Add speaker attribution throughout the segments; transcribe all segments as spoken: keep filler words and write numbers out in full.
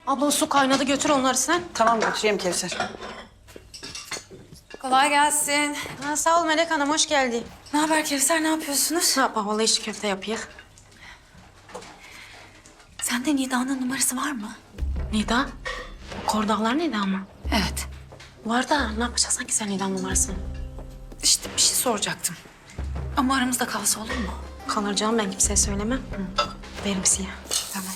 Speaker 1: Abla su kaynadı, götür onları sen.
Speaker 2: Tamam götüreyim Kevser.
Speaker 3: Kolay gelsin.
Speaker 1: Ha, sağ ol Melek Hanım, hoş geldin.
Speaker 3: Ne haber Kevser, ne yapıyorsunuz?
Speaker 1: Ne yapalım, vallahi içli köfte yapıyık.
Speaker 3: Sende Nida'nın numarası var mı?
Speaker 1: Nida? Kordağlar Nida mı?
Speaker 3: Evet.
Speaker 1: Var da ne yapacaksın ki sen Nida'nın numarasını?
Speaker 3: İşte bir şey soracaktım. Ama aramızda kalsa olur mu?
Speaker 1: Kalır canım, ben kimseye söylemem. Hı. Verim siyah.
Speaker 3: Tamam.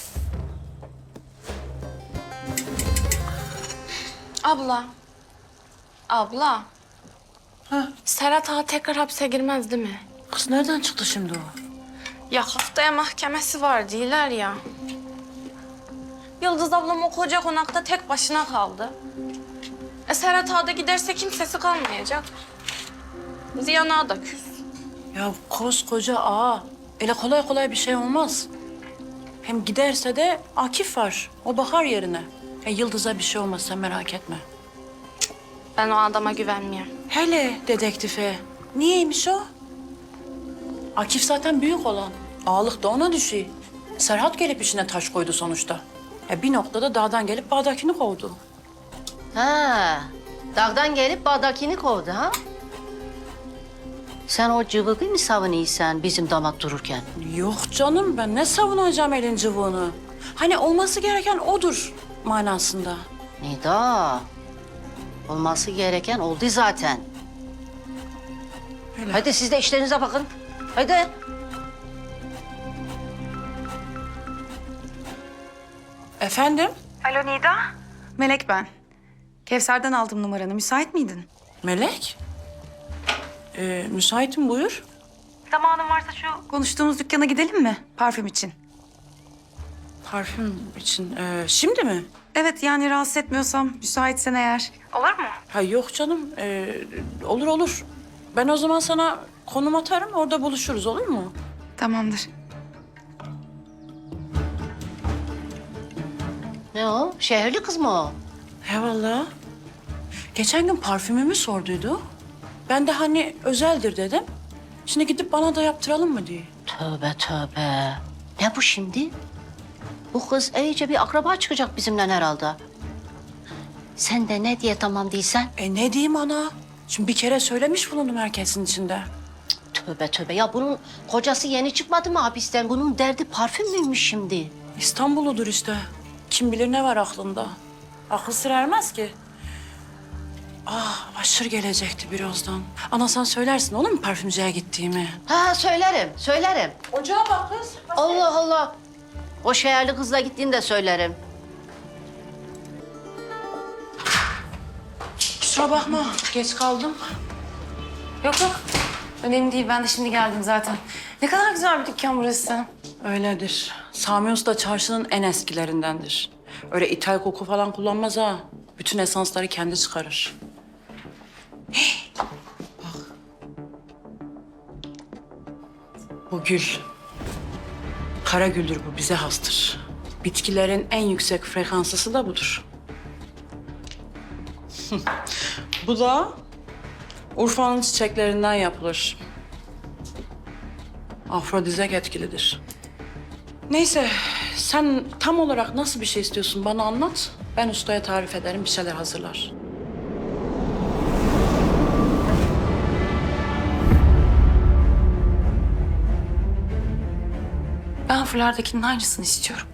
Speaker 4: Abla. Abla.
Speaker 2: Ha,
Speaker 4: Serhat Ağa tekrar hapse girmez değil mi?
Speaker 2: kız nereden çıktı şimdi o?
Speaker 4: Ya haftaya mahkemesi var diyorlar ya. Yıldız ablam o koca konakta tek başına kaldı. E Serhat Ağa da giderse kimsesi kalmayacak. Ziyan Ağa da küs.
Speaker 2: Ya koskoca ağa. Öyle kolay kolay bir şey olmaz. Hem giderse de Akif var. O bakar yerine. Ya Yıldız'a bir şey olmaz, sen merak etme.
Speaker 4: Ben o adama güvenmiyorum.
Speaker 2: Hele dedektife. Niyeymiş o? Akif zaten büyük olan. Ağalık da ona düşüyor. Serhat gelip işine taş koydu sonuçta. Ya bir noktada dağdan gelip bağdakini kovdu.
Speaker 5: Ha, dağdan gelip bağdakini kovdu ha? Sen o cıvıkı mı savunuyorsun bizim damat dururken?
Speaker 2: Yok canım, ben ne savunacağım elin cıvığını? Hani olması gereken odur manasında.
Speaker 5: Nida, olması gereken oldu zaten.
Speaker 2: Öyle.
Speaker 5: Hadi siz de işlerinize bakın. Hadi.
Speaker 2: Efendim?
Speaker 3: Alo Nida. Melek ben. Kevser'den aldım numaranı. Müsait miydin?
Speaker 2: Melek? Ee, müsaitim, buyur.
Speaker 3: Zamanın varsa şu konuştuğumuz dükkana gidelim mi? Parfüm için.
Speaker 2: Parfüm için. Ee, şimdi mi?
Speaker 3: Evet, yani rahatsız etmiyorsam, müsaitsen eğer. Olur mu?
Speaker 2: Ha yok canım. Ee, olur olur. Ben o zaman sana konum atarım, orada buluşuruz, olur mu?
Speaker 3: Tamamdır.
Speaker 5: Ne o? Şehirli kız mı o?
Speaker 2: He vallahi. Geçen gün parfümümü sorduydu. Ben de hani özeldir dedim. Şimdi gidip bana da yaptıralım mı diye.
Speaker 5: Tövbe tövbe. Ne bu şimdi? Bu kız iyice bir akraba çıkacak bizimle herhalde. Sen de ne diye tamam değilsen?
Speaker 2: E ne diyeyim ana? Şimdi bir kere söylemiş bulundum herkesin içinde.
Speaker 5: Tövbe tövbe. Ya bunun kocası yeni çıkmadı mı hapisten? Bunun derdi parfüm müymüş şimdi?
Speaker 2: İstanbul'udur işte. Kim bilir ne var aklında. Akıl sır ermez ki. Ah, aşır gelecekti birazdan. Ana sen söylersin olur mu parfümcüye gittiğimi?
Speaker 5: Ha söylerim, söylerim.
Speaker 2: Ocağa bak kız.
Speaker 5: Allah Allah. O şehirli kızla gittiğini de söylerim.
Speaker 2: Kusura bakma, geç kaldım.
Speaker 3: Yok yok. Önemli değil. Ben de şimdi geldim zaten. Ne kadar güzel bir dükkan burası.
Speaker 2: Öyledir. Sami Usta çarşının en eskilerindendir. Öyle ithal koku falan kullanmaz ha. Bütün esansları kendi çıkarır. Hey, bak. Bu gül. Kara güldür bu, bize hastır. Bitkilerin en yüksek frekanslısı da budur. Bu da Urfa'nın çiçeklerinden yapılır. Afrodizyak etkilidir. Neyse, sen tam olarak nasıl bir şey istiyorsun bana anlat. Ben ustaya tarif ederim, bir şeyler hazırlar.
Speaker 3: Ben fulardakinin aynısını istiyorum.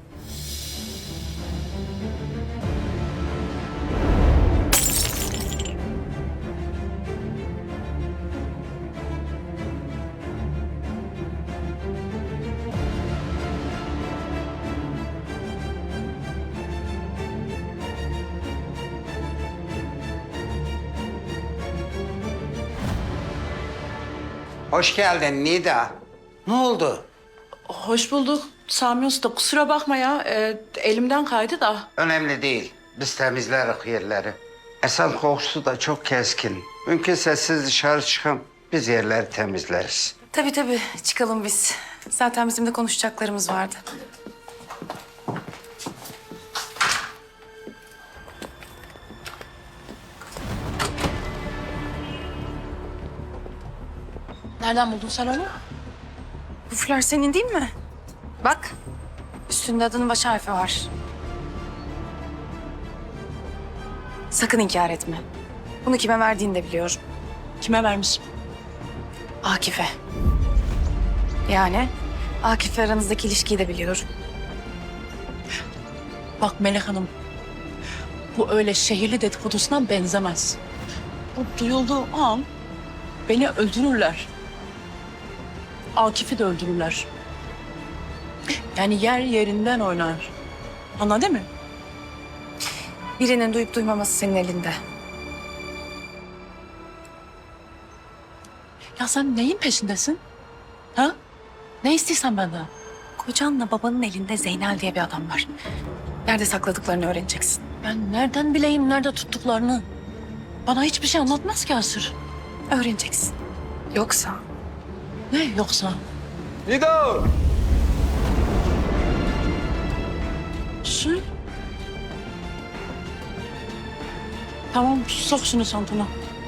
Speaker 6: Hoş geldin Nida. Ne oldu?
Speaker 2: Hoş bulduk Sami Usta. Kusura bakma ya, e, elimden kaydı da.
Speaker 6: Önemli değil. Biz temizleriz yerleri. Esen kokusu da çok keskin. Mümkünse siz dışarı çıkın. Biz yerleri temizleriz.
Speaker 3: Tabii tabii. Çıkalım biz. Zaten bizim de konuşacaklarımız vardı.
Speaker 2: Nereden buldun sen onu?
Speaker 3: Bu fular senin değil mi? Bak. Üstünde adının baş harfi var. Sakın inkar etme. Bunu kime verdiğini de biliyorum.
Speaker 2: Kime vermiş?
Speaker 3: Akif'e. Yani Akif'le aranızdaki ilişkiyi de biliyorum.
Speaker 2: Bak Melek Hanım, bu öyle şehirli dedikodusuna benzemez. Bu duyulduğu an beni öldürürler. Akif'i de öldürürler. Yani yer yerinden oynar. Anladın mı?
Speaker 3: Birinin duyup duymaması senin elinde.
Speaker 2: Ya sen neyin peşindesin? Ha? Ne istiyorsan benden?
Speaker 3: Kocanla babanın elinde Zeynel diye bir adam var. Nerede sakladıklarını öğreneceksin.
Speaker 2: Ben nereden bileyim nerede tuttuklarını? Bana hiçbir şey anlatmaz ki Asır.
Speaker 3: Öğreneceksin. Yoksa
Speaker 2: Ne yoksa?
Speaker 7: Nido!
Speaker 2: Su. Tamam, sok şunu çantana.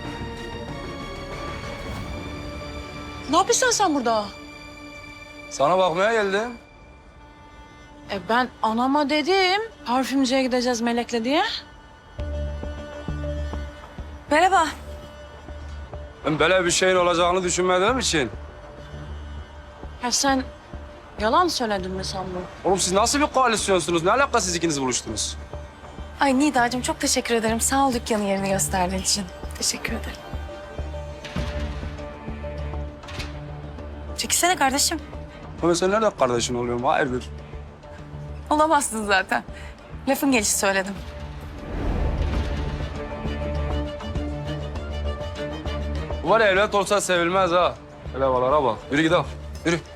Speaker 2: Ne yapıyorsun sen burada?
Speaker 7: Sana bakmaya geldim.
Speaker 2: E ben anama dedim, parfümcüye gideceğiz Melek'le diye.
Speaker 3: merhaba.
Speaker 7: Ben böyle bir şeyin olacağını düşünmediğim için.
Speaker 2: Ya sen yalan söyledin mi sandın?
Speaker 7: Oğlum siz nasıl bir koalisyonsunuz? Ne alaka siz ikiniz buluştunuz?
Speaker 3: Ay Nida'cığım çok teşekkür ederim. Sağ ol dükkanın yerini gösterdiğin için. Teşekkür ederim. Çekilsene kardeşim.
Speaker 7: Ama sen nerede kardeşin oluyorum? Hayırdır?
Speaker 3: Olamazsın zaten. Lafın gelişi söyledim.
Speaker 7: Bu var ya evlat olsa sevilmez ha. Hele balara bak. Yürü gidelim. Yürü.